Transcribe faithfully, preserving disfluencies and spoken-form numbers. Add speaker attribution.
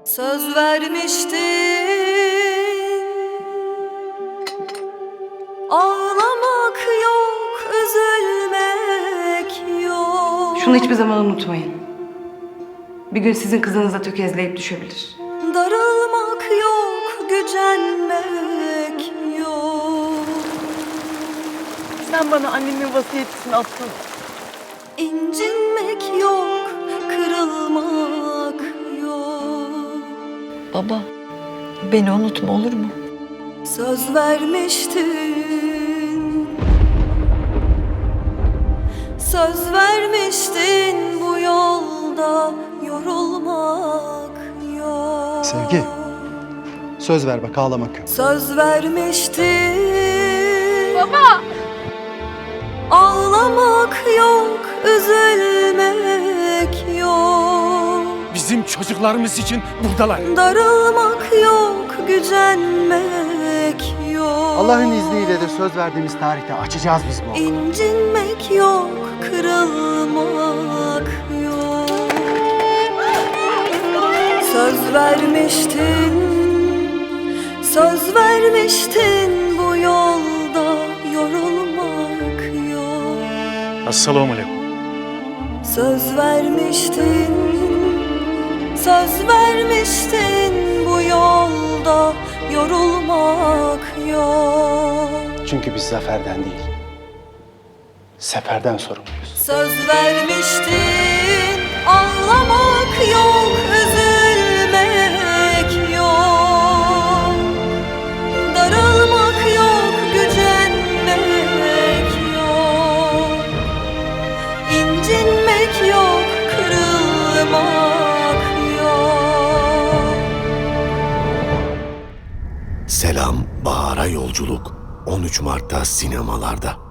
Speaker 1: Söz vermiştin, ağlamak yok, üzülmek yok.
Speaker 2: Şunu hiçbir zaman unutmayın. Bir gün sizin kızınız da tökezleyip düşebilir.
Speaker 1: Darılmak yok, gücenmek yok.
Speaker 3: Sen bana annemin vasiyetini attın.
Speaker 1: İncinmek yok, kırılmak yok.
Speaker 4: Baba, beni unutma olur mu?
Speaker 1: Söz vermiştin, söz vermiştin, bu yolda yorulmak yok.
Speaker 5: Sevgi, söz ver bak, ağlamak yok.
Speaker 1: Söz vermiştin. Baba! Ağlamak yok, üzülmek yok.
Speaker 6: Bizim çocuklarımız için buradalar.
Speaker 1: Darılmak yok, gücenmek yok.
Speaker 5: Allah'ın izniyle de söz verdiğimiz tarihte açacağız biz bu okulu.
Speaker 1: İncinmek yok, kırılmak yok. Söz vermiştin, söz vermiştin, bu yolda yorulmak yok.
Speaker 6: Esselamu aleyküm.
Speaker 1: Söz vermiştin, söz vermiştin, bu yolda yorulmak yok.
Speaker 5: Çünkü biz zaferden değil, seferden sorumluyuz.
Speaker 1: Söz vermiştin, ağlamak yok, üzülmek yok. Darılmak yok, gücenmek yok. İncinmek yok, kırılmak yok.
Speaker 7: Selam Bahar'a Yolculuk on üç Mart'ta sinemalarda.